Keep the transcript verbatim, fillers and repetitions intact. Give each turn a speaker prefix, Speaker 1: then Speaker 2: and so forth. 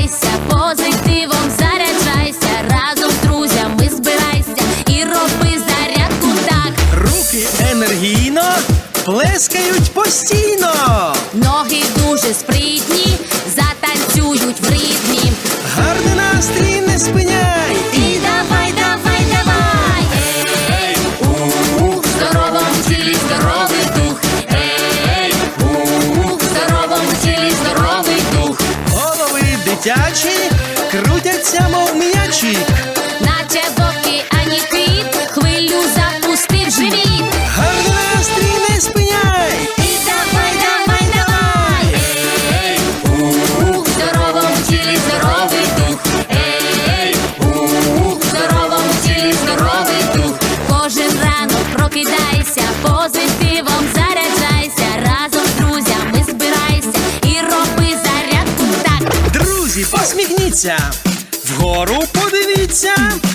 Speaker 1: прокидайся, позитивом заряджайся, разом з друзями збирайся і роби зарядку так.
Speaker 2: Руки енергійно плескають постійно.
Speaker 1: Ноги дуже спритні, затанцюють в ритмі.
Speaker 2: Гарний настрій не спиняй.
Speaker 1: І давай, давай, давай. Ей, у, в здоровому тілі здоровий дух. Ей, у, в здоровому тілі здоровий дух.
Speaker 2: Голови дитячі крутяться, мов м'ячі.
Speaker 1: Наче вовки, ані кит, хвилю запустив живіт.
Speaker 2: Гарний настрій не спиняй.
Speaker 1: І давай, давай, давай. Ей, у, в здоровому тілі здоровий дух. Ей, у, в здоровому тілі здоровий дух. Кожен ранок прокидайся, позитивом заряджайся, разом з друзями збирайся і роби зарядку так.
Speaker 2: Друзі, посміхніться, вгору подивіться.